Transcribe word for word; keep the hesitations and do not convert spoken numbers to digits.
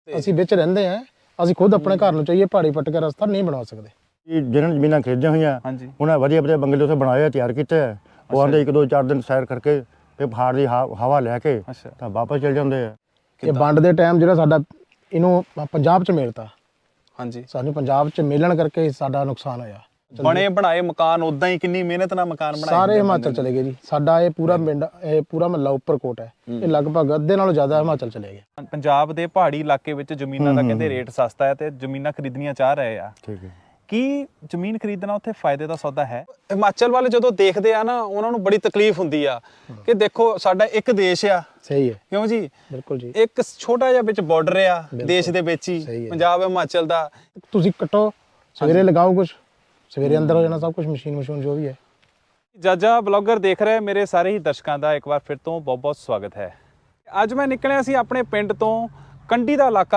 ਅਸੀਂ ਵਿੱਚ ਰਹਿੰਦੇ ਆ, ਅਸੀਂ ਖੁਦ ਆਪਣੇ ਘਰ ਨੂੰ ਚਾਹੀਏ ਪਹਾੜੀ ਪੱਟ ਕੇ ਰਸਤਾ ਨਹੀਂ ਬਣਾ ਸਕਦੇ। ਜਿਹਨਾਂ ਨੇ ਜ਼ਮੀਨਾਂ ਖਰੀਦੀਆਂ ਹੋਈਆਂ ਹਾਂਜੀ ਉਹਨਾਂ ਵਧੀਆ ਵਧੀਆ ਬੰਗਲੇ ਉੱਥੇ ਬਣਾਏ ਆ, ਤਿਆਰ ਕੀਤੇ ਆ। ਉਹ ਆਉਂਦੇ ਇੱਕ ਦੋ ਚਾਰ ਦਿਨ ਸੈਰ ਕਰਕੇ ਤੇ ਪਹਾੜ ਦੀ ਹਾ- ਹਵਾ ਲੈ ਕੇ ਅੱਛਾ ਤਾਂ ਵਾਪਸ ਚਲੇ ਜਾਂਦੇ ਆ। ਇਹ ਵੰਡ ਦੇ ਟਾਈਮ ਜਿਹੜਾ ਸਾਡਾ ਇਹਨੂੰ ਪੰਜਾਬ 'ਚ ਮਿਲਤਾ, ਹਾਂਜੀ ਸਾਨੂੰ ਪੰਜਾਬ 'ਚ ਮਿਲਣ ਕਰਕੇ ਸਾਡਾ ਨੁਕਸਾਨ ਹੋਇਆ। ਬਣੇ ਬਣਾਏ ਮਕਾਨ ਉਦਾਂ ਹੀ ਕਿੰਨੀ ਮਿਹਨਤ ਨਾਲ ਮਕਾਨ ਬਣਾਏ ਸਾਰੇ ਹਿਮਾਚਲ ਚਲੇ ਗਏ ਜੀ। ਸਾਡਾ ਇਹ ਪੂਰਾ ਪਿੰਡ, ਇਹ ਪੂਰਾ ਮਹੱਲਾ ਉੱਪਰਕੋਟ ਹੈ, ਇਹ ਲਗਭਗ ਅੱਧੇ ਨਾਲੋਂ ਜ਼ਿਆਦਾ ਹਿਮਾਚਲ ਚਲੇ ਗਿਆ। ਪੰਜਾਬ ਦੇ ਪਹਾੜੀ ਇਲਾਕੇ ਵਿੱਚ ਜ਼ਮੀਨਾਂ ਦਾ ਕਹਿੰਦੇ ਰੇਟ ਸਸਤਾ ਹੈ ਤੇ ਜ਼ਮੀਨਾਂ ਖਰੀਦਣੀਆਂ ਚਾਹ ਰਹੇ ਆ। ਠੀਕ ਹੈ। ਕੀ ਜ਼ਮੀਨ ਖਰੀਦਣਾ ਉੱਥੇ ਫਾਇਦੇ ਦਾ ਸੌਦਾ ਹੈ? ਹਿਮਾਚਲ ਵਾਲੇ ਜਦੋਂ ਦੇਖਦੇ ਆ ਨਾ ਉਹਨਾਂ ਨੂੰ ਬੜੀ ਤਕਲੀਫ ਹੁੰਦੀ ਆ ਕਿ ਦੇਖੋ ਸਾਡਾ ਇੱਕ ਦੇਸ਼ ਆ, ਸਹੀ ਹੈ, ਕਿਉਂ ਜੀ? ਬਿਲਕੁਲ ਜੀ। ਇੱਕ ਛੋਟਾ ਜਿਹਾ ਵਿੱਚ ਬਾਰਡਰ ਆ ਦੇਸ਼ ਦੇ ਵਿੱਚ ਸਹੀ ਹੀ, ਹੈ। ਪੰਜਾਬ ਹਿਮਾਚਲ ਦਾ। ਤੁਸੀਂ ਕੱਟੋ, ਸਵੇਰੇ ਲਗਾਓ, ਕੁਝ ਸਵੇਰੇ ਅੰਦਰ ਹੋ ਜਾਣਾ ਸਭ ਕੁਝ, ਮਸ਼ੀਨ ਮਸ਼ੀਨ ਜੋ ਵੀ ਹੈ। ਜਾਜਾ ਬਲੌਗਰ ਦੇਖ ਰਹੇ ਮੇਰੇ ਸਾਰੇ ਹੀ ਦਰਸ਼ਕਾਂ ਦਾ ਇੱਕ ਵਾਰ ਫਿਰ ਤੋਂ ਬਹੁਤ ਬਹੁਤ ਸਵਾਗਤ ਹੈ। ਅੱਜ ਮੈਂ ਨਿਕਲਿਆ ਸੀ ਆਪਣੇ ਪਿੰਡ ਤੋਂ, ਕੰਢੀ ਦਾ ਇਲਾਕਾ